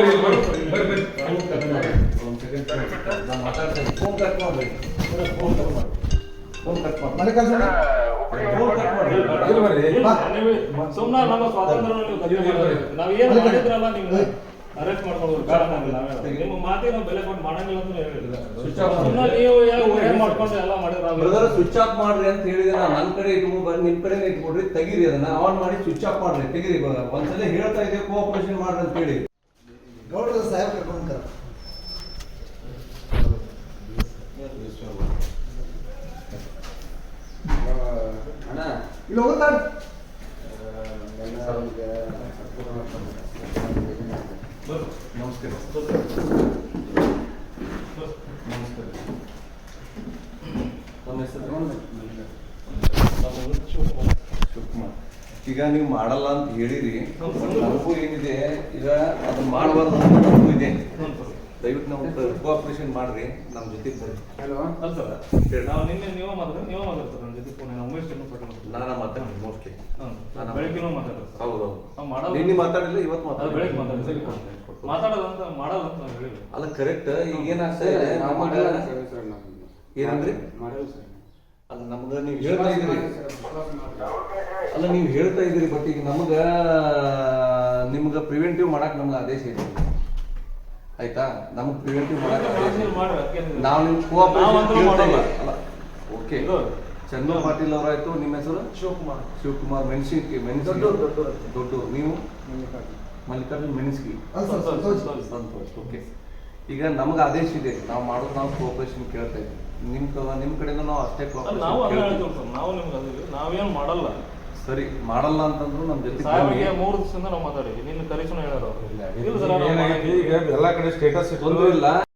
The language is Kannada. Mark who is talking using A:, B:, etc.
A: ಸುಮ್ಮನೆ ನಮ್ಮ ಸ್ವಾತಂತ್ರ್ಯ ಅರೆಸ್ಟ್ ಮಾಡ್ಕೊಂಡು ನಿಮ್ಮ ಮಾತಿಗೆ ನಾವು ಬೆಲೆ ಕೊಟ್ಟು ಮಾಡಂಗಿಲ್ಲ ಅಂತ ಹೇಳಿಲ್ಲ. ನೀವು ಮಾಡ್ಕೊಂಡು ಎಲ್ಲ ಮಾಡಿದ್ರೆ
B: ಸ್ವಿಚ್ ಆಫ್ ಮಾಡ್ರಿ ಅಂತ ಹೇಳಿದ್ರೆ ನನ್ನ ಕಡೆ ಇಟ್ಕೊಂಡು ನಿಮ್ ಕಡೆ ಇಟ್ಕೊಡ್ರಿ, ತೆಗೀರಿ ಅದನ್ನ ಆನ್ ಮಾಡಿ ಸ್ವಿಚ್ ಆಫ್ ಮಾಡ್ರಿ, ತೆಗೀರಿ. ಒಂದ್ಸಲ ಹೇಳ್ತಾ ಇದ್ದೀವಿ ಕೋಆಪರೇಷನ್ ಮಾಡ್ರಿ ಅಂತ ಹೇಳಿ
C: ಗೌಡ್ರ ಸಾಹೇಬ್ ಕರ್ಕೊಂಡು
D: ಅಣ್ಣ
C: ಇಲ್ಲಿ ಹೋಗುತ್ತಾ
B: ನಮಸ್ಕಾರ. ನಮ್ಮ ಹೆಸರು ಶಿವಕುಮಾರ್. ಈಗ ನೀವು ಮಾಡಲ್ಲ ಅಂತ ಹೇಳಿರಿ, ನನಗೂ ಏನಿದೆ ಈಗ ಅದನ್ನ ಮಾಡಬಾರ್ದು ನನಗೂ ಇದೆ. ದಯವಿಟ್ಟು ನಾವು ಕೋಆಪರೇಷನ್ ಮಾಡ್ರಿ, ನಮ್ಮ ಜೊತೆಗೆ ಬರ್ರಿ.
A: ನಾವು ನಿನ್ನೆ ನೀವು ಮಾತಾಡ್ತಾರೆ ನನ್ನ ಜೊತೆ ನಾನು
B: ಮಾತಾಡಿ ಮೋಸ್ಟ್ಲಿ
A: ಬೆಳಗ್ಗೆ ಮಾತಾಡ್ತಾರೆ.
B: ಹೌದೌದು, ನಿನ್ನೆ ಮಾತಾಡಿಲ್ಲ, ಇವತ್ತು ಮಾತಾಡಿ,
A: ಬೆಳಗ್ಗೆ ಮಾತಾಡೋದಂತ ಮಾಡೋದಂತ ನಾವು ಹೇಳಿಲ್ಲ.
B: ಅಲ್ಲ ಕರೆಕ್ಟ್. ಈಗ ಏನಾಗ್ತಾ ಇದೆ ಏನಂದ್ರಿ? ಅಲ್ಲ ನಮ್ಗ ನೀವು ಹೇಳ್ತಾ ಇದ್ರಿ, ಅಲ್ಲ ನೀವು ಹೇಳ್ತಾ ಇದ್ರಿ, ಬಟ್ ಈಗ ನಿಮ್ಗ ಪ್ರಿವೆಂಟಿವ್ ಮಾಡಕ್ ನಮ್ಗೆ ಆದೇಶ ಇದೆ, ಆಯ್ತಾ? ನಮ್ಗೆ ಪ್ರಿವೆಂಟಿವ್ ಮಾಡಕ್ ನಾವು ನಿಮ್ ಕೋಆಪರೇಷನ್. ಓಕೆ, ಚಂದ್ರು ಪಾಟೀಲ್ ಅವರಾಯ್ತು. ನಿಮ್ಮ ಹೆಸರು? ಶಿವಕುಮಾರ್ ಮೆಣಸಿನ್ಕಿ ದೊಡ್ಡ. ನೀವು? ಮಲ್ಲಿಕಾರ್ಜುನ್ ಮೆಣಸ್ಕಿ ಸಂತೋಷ್. ಓಕೆ, ಈಗ ನಮ್ಗೆ ಆದೇಶ ಇದೆ, ನಾವು ಮಾಡೋದು ನಾವು ಕೋಆಪರೇಷನ್ ಕೇಳ್ತಾ ಇದ್ದೀವಿ. ನಿಮ್ ಕಡೆಯಿಂದ ನಾವು ಅಷ್ಟೇ
A: ನಾವೇನು ಮಾಡಲ್ಲ.
B: ಸರಿ, ಮಾಡಲ್ಲ ಅಂತಂದ್ರು ನಮ್ಮ ಜೊತೆ
A: 3 ದಿವಸದಿಂದ ನಾವು ಮಾತಾಡಿದ್ವಿ. ನಿನ್ನ ಕರೀಸನ ಹೇಳೋರು
E: ಈಗ ಎಲ್ಲ ಕಡೆ ಸ್ಟೇಟಸ್
B: ತೊಂದರೆ ಇಲ್ಲ.